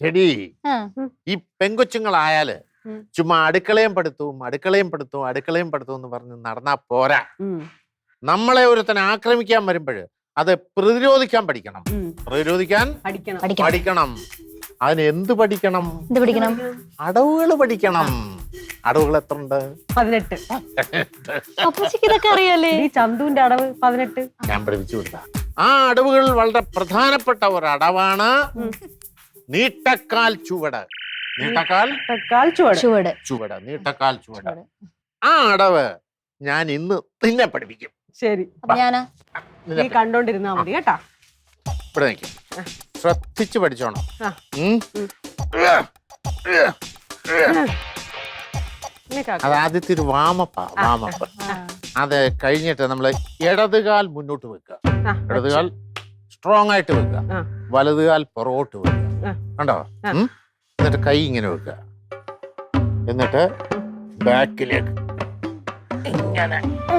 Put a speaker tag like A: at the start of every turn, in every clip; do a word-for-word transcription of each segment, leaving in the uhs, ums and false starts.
A: എടി ഈ പെങ്കൊച്ചുങ്ങളായാല് ചുമ്മാ അടുക്കളയും പഠിത്തവും അടുക്കളയും പഠിത്തവും അടുക്കളയും പഠിത്തവും എന്ന് പറഞ്ഞ് നടന്നാ പോരാ. നമ്മളെ ഒരുത്തൻ ആക്രമിക്കാൻ വരുമ്പോഴ് അത് പ്രതിരോധിക്കാൻ പഠിക്കണം. പ്രതിരോധിക്കാൻ പഠിക്കണം. അതിന് എന്ത് പഠിക്കണം? അടവുകൾ പഠിക്കണം. അടവുകൾ എത്ര ഉണ്ട്?
B: പതിനെട്ട്.
C: ഇതൊക്കെ അറിയാലേ?
B: ഈ ചന്തുവിന്റെ അടവ് പതിനെട്ട്
A: ഞാൻ പഠിപ്പിച്ചു കൊടുത്ത ആ അടവുകൾ വളരെ പ്രധാനപ്പെട്ട ഒരു അടവാണ് നീട്ടക്കാൽ ചുവട്. നീട്ടക്കാൽ
B: ചുവട്
A: ചുവട് നീട്ടക്കാൽ ചുവട്. ആ അടവ് ഞാൻ ഇന്ന് നിന്നെ പഠിപ്പിക്കും.
B: ശരി, നീ കണ്ടോണ്ടിരുന്നാ മതി കേട്ടാ.
A: ഇവിടെ നിൽക്കും, ശ്രദ്ധിച്ചു പഠിച്ചോണം. അത് ആദ്യത്തെ ഒരു വാമപ്പാ, വാമപ്പ്. അത് കഴിഞ്ഞിട്ട് നമ്മള് ഇടതുകാൽ മുന്നോട്ട് വെക്കുക, ഇടതുകാൽ സ്ട്രോങ് ആയിട്ട് വെക്കുക, വലതുകാൽ പുറകോട്ട് വെക്കുക. കണ്ടോ? എന്നിട്ട് കൈ ഇങ്ങനെ വെക്കുക, എന്നിട്ട് ബാക്കിലേക്ക് ഇങ്ങനെ.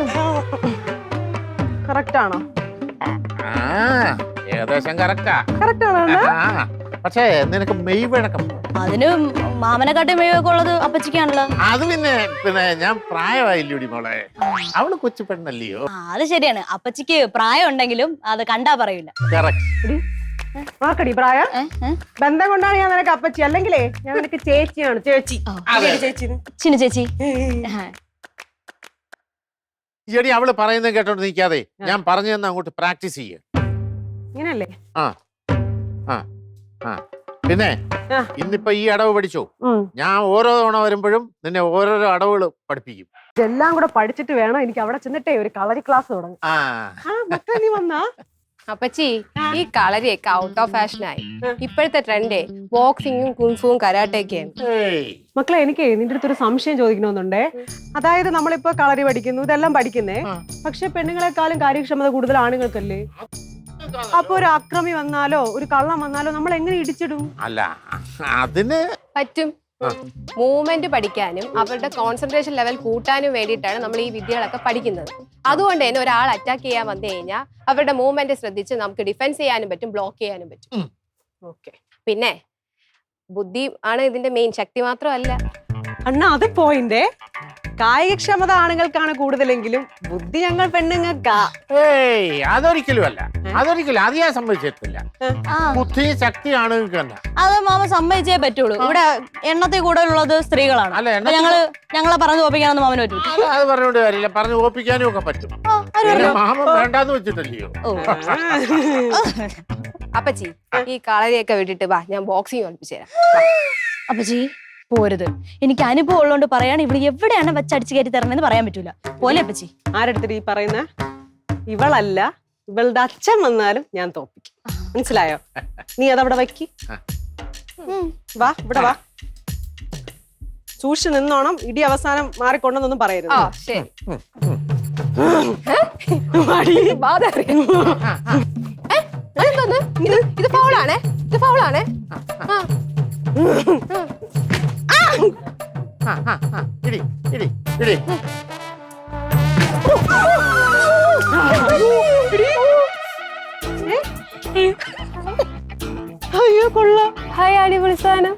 B: കറക്റ്റ് ആണോ?
A: ആ, ഏകദേശം കറക്റ്റാ.
B: കറക്റ്റ് ആണോ?
A: പക്ഷേ നിനക്ക് മെയ് വഴക്കം.
C: അതിന് മാമനെക്കാട്ടി മെയ്യൊക്കെ ഉള്ളത് അപ്പച്ചിക്കാണല്ലോ.
A: അത് പിന്നെ പിന്നെ ഞാൻ പ്രായമായില്ലൂടി മോളെ, അവള് കൊച്ചു പെണ്ണല്ലയോ.
C: അത് ശരിയാണ്, അപ്പച്ചിക്ക് പ്രായം ഉണ്ടെങ്കിലും അത് കണ്ടാ പറയൂല.
B: ആക്കടി പ്രായം ബന്ധം കൊണ്ടാണ് ഞാൻ നിനക്ക് അപ്പച്ചി, അല്ലെങ്കിലേ ഞാൻ നിനക്ക് ചേച്ചിയാണ്. ചേച്ചി ചേച്ചി
C: ചിന്നു ചേച്ചി.
A: ചേടി അവള് പറയുന്നത് കേട്ടോണ്ട് നിൽക്കാതെ ഞാൻ പറഞ്ഞു തന്നെ അങ്ങോട്ട് പ്രാക്ടീസ് ചെയ്യ.
B: ഇങ്ങനല്ലേ?
A: ആ ആ ആ പിന്നെ ഇന്നിപ്പോ ഈ അടവ് പഠിച്ചോ? ഞാൻ ഓരോ തവണ വരുമ്പോഴും നിന്നെ ഓരോരോ അടവുകൾ പഠിപ്പിക്കും.
B: ഇതെല്ലാം കൂടെ പഠിച്ചിട്ട് വേണം എനിക്ക് അവിടെ ചെന്നിട്ടേ ഒരു കളരി ക്ലാസ് തുടങ്ങും. നീ വന്നാ
D: അപ്പച്ചി, ഈ കളരിയൊക്കെ ഔട്ട് ഓഫ് ഫാഷനായി. ഇപ്പോഴത്തെ ട്രെൻഡേ ബോക്സിങ്ങും കുൻഫുവും കരാട്ടയൊക്കെയാണ്.
B: മക്കളെ, എനിക്ക് നിന്റെ അടുത്തൊരു സംശയം ചോദിക്കണമെന്നുണ്ടേ. അതായത് നമ്മളിപ്പോ കളരി പഠിക്കുന്നു, ഇതെല്ലാം പഠിക്കുന്നേ, പക്ഷെ പെണ്ണുങ്ങളെക്കാളും കാര്യക്ഷമത കൂടുതൽ ആണുങ്ങൾക്കല്ലേ? അപ്പൊ ഒരു അക്രമി വന്നാലോ ഒരു കള്ളം വന്നാലോ നമ്മൾ എങ്ങനെ ഇടിച്ചിടും?
A: അല്ല, അതിന്
D: പറ്റും. മൂവ്മെന്റ് പഠിക്കാനും അവരുടെ കോൺസെൻട്രേഷൻ ലെവൽ കൂട്ടാനും വേണ്ടിയിട്ടാണ് നമ്മൾ ഈ വിദ്യകളൊക്കെ പഠിക്കുന്നത്. അതുകൊണ്ട് തന്നെ ഒരാൾ അറ്റാക്ക് ചെയ്യാൻ വന്നു കഴിഞ്ഞാൽ അവരുടെ മൂവ്മെന്റ് ശ്രദ്ധിച്ച് നമുക്ക് ഡിഫെൻസ് ചെയ്യാനും പറ്റും, ബ്ലോക്ക് ചെയ്യാനും പറ്റും.
B: ഓക്കെ.
D: പിന്നെ ബുദ്ധി ആണ് ഇതിന്റെ മെയിൻ, ശക്തി മാത്രമല്ല.
B: അണ്ണാ, അത് പോയിന്റെ കായികക്ഷമത ആണുങ്ങൾക്കാണ് കൂടുതലെങ്കിലും ബുദ്ധി ഞങ്ങൾ പെണ്ണുങ്ങൾക്കാ.
A: ഏയ് അതൊരിക്കലും അല്ല, അതൊരിക്കലും അത് ഞാൻ സമ്മതിച്ചിട്ടില്ല. ബുദ്ധി ശക്തി ആണുങ്ങൾക്ക് തന്നെ.
C: അത് മാമ സമ്മതിച്ചേ പറ്റുള്ളൂ. ഇവിടെ എണ്ണത്തിൽ കൂടുതലുള്ളത് സ്ത്രീകളാണ്. ഞങ്ങള് ഞങ്ങളെ പറഞ്ഞു ഓപ്പിക്കാനൊന്നും മാമന് പറ്റൂ.
A: അത് പറഞ്ഞോണ്ട് കാര്യമില്ല, പറഞ്ഞു ഓപ്പിക്കാനും ഒക്കെ പറ്റും. മാമൻ വേണ്ടാന്ന് വെച്ചിട്ടല്ലയോ.
D: അപ്പച്ചി, ഈ കളരിയൊക്കെ വിട്ടിട്ട് വാ, ഞാൻ ബോക്സിങ് പഠിപ്പിച്ചു തരാം.
C: അപ്പച്ചി പോരുത്, എനിക്ക് അനുഭവം ഉള്ളതുകൊണ്ട് പറയാണ്. ഇവിടെ എവിടെയാണ് വെച്ചടിച്ച് കയറ്റി തരണമെന്ന് പറയാൻ പറ്റൂല. പോലെ അപ്പച്ചി.
B: ആരെടുത്തിട്ട് ഈ പറയുന്ന ഇവളല്ല, ഇവളുടെ അച്ഛൻ വന്നാലും ഞാൻ തോപ്പിക്കും. മനസ്സിലായോ? നീ അതവിടെ വയ്ക്ക്. വാ, ഇവിടെ വാ. സൂക്ഷിച്ച് നിന്നോണം, ഇടി അവസാനം മാറിക്കൊണ്ടെന്നൊന്നും പറയരുത്.
D: ശരി. ഇത് ഫൗളാണേ, ഇത് ഫൗളാണേ.
A: ഇടി ഇടി ഇടി.
B: അയ്യോ കൊള്ളാം.
D: ഹായ്, അടിപൊളി സാധനം.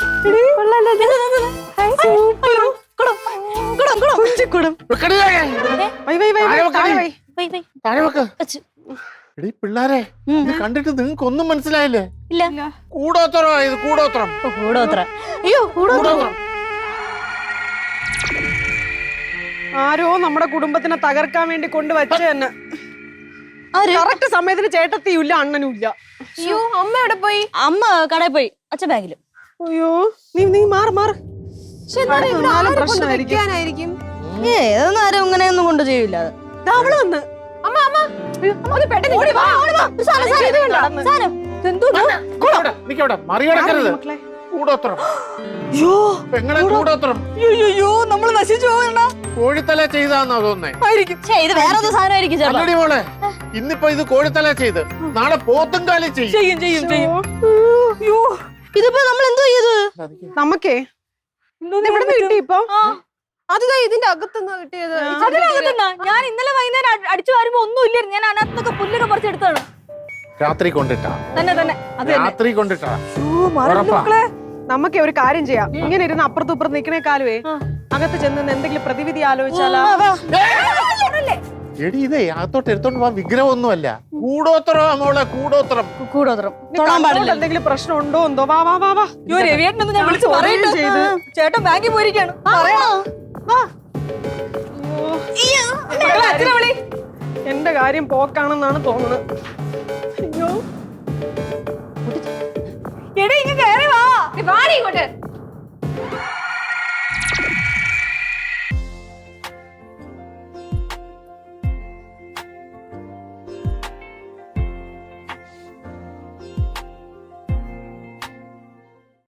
A: പിള്ളാരെ, ഇത് കണ്ടിട്ട് നിങ്ങൾക്ക് ഒന്നും മനസ്സിലായില്ലേ?
C: ഇല്ല.
A: കൂടോത്രം ഇത്, കൂടോത്രം.
C: കൂടോത്രം. അയ്യോ, കൂടോത്രം.
B: ആരോ നമ്മുടെ കുടുംബത്തിനെ തകർക്കാൻ വേണ്ടി കൊണ്ടുവച്ച തന്നെ. കറക്റ്റ് സമയത്തിന് ചേട്ടത്തിയും ഇല്ല, അണ്ണനും ഇല്ല.
D: അയ്യോ, അമ്മ എവിടെ പോയി?
C: അമ്മ കടയിൽ പോയി, അച്ഛൻ ബാങ്കിലും.
B: അയ്യോ, നീ നീ മാറ് മാറ്. പ്രശ്നമായിരിക്കും.
C: ഏതൊന്നും ആരും ഇങ്ങനെയൊന്നും കൊണ്ട് ചെയ്യൂല.
B: അവള് വന്ന്.
D: അമ്മ അമ്മ ഒന്ന് പെട്ടെന്ന് ഓടി വാ, ഓടി വാ.
A: മറികടക്കരുത്. കൂടോത്രം. പെങ്ങളെ കൂടോത്രം.
C: നമ്മള് നശിച്ചു പോകണ്ട.
A: കോഴിത്തല ചെയ്താന്നോ തോന്നേ?
C: ഇത് വേറെ സാധനമായിരിക്കും.
A: അല്ലടി മോളെ, ഇന്നിപ്പോ ഇത് കോഴിത്തല ചെയ്ത് നാളെ പോത്തും കാലി ചെയ്യും.
C: ഇതിപ്പോ നമ്മൾ എന്തോ ചെയ്ത്?
B: നമുക്കേ ഇവിടെ കിട്ടി. ഇപ്പൊ
D: അത് ഇതിന്റെ അകത്തുനിന്ന് കിട്ടിയത്.
C: ഞാൻ ഇന്നലെ വൈകുന്നേരം അടിച്ചു വരുമ്പോ ഒന്നും ഇല്ലായിരുന്നു. ഞാൻ അതിനകത്തൊക്കെ പുല്ലൊക്കെ പറിച്ചെടുത്താണ്.
A: രാത്രി കൊണ്ടിട്ടാ
C: തന്നെ തന്നെ അത് തന്നെ.
A: രാത്രി കൊണ്ടിട്ടാ
B: ഊ, മറന്നു
A: ഉറപ്പാ.
B: മക്കളെ. നമുക്ക് ഒരു കാര്യം ചെയ്യാം. ഇങ്ങനെ ഇരുന്ന് അപ്പുറത്തും ഇപ്പുറത്ത് നിക്കണേക്കാലുവേ അകത്ത് ചെന്ന് നിന്ന് എന്തെങ്കിലും പ്രതിവിധി ആലോചിച്ചാലാ?
A: എടി ഇതേ അകത്തോട്ട് എടുത്തോണ്ട് പോവാൻ വിഗ്രഹമൊന്നുമല്ല, കൂടോത്രം മോളെ, കൂടോത്രം.
C: കൂടോത്രം
B: നീ
C: തൊടാൻ
B: കണ്ണോട്
C: പാടില്ല.
B: എന്തെങ്കിലും പ്രശ്നം ഉണ്ടോ എന്തോ? വാ വാ വാ വാ.
C: അയ്യോ രവിയേട്ടനൊന്ന് ഞാൻ വിളിച്ച്
B: ഞാൻ
C: പറയട്ടെ.
B: ഫോൺ ചെയ്ത്.
C: ചേട്ടൻ ബാങ്കിൽ പോയിരിക്കാണ്.
B: വാ.
C: മക്കളെ, അച്ഛനെ വിളി.
B: എന്റെ കാര്യം പോക്കാണെന്നാണ് തോന്നുന്നത്. അയ്യോ
C: എടേ ഇങ്ങ് കയറി വാ.
D: നീ വാടി ഇങ്ങോട്ട്.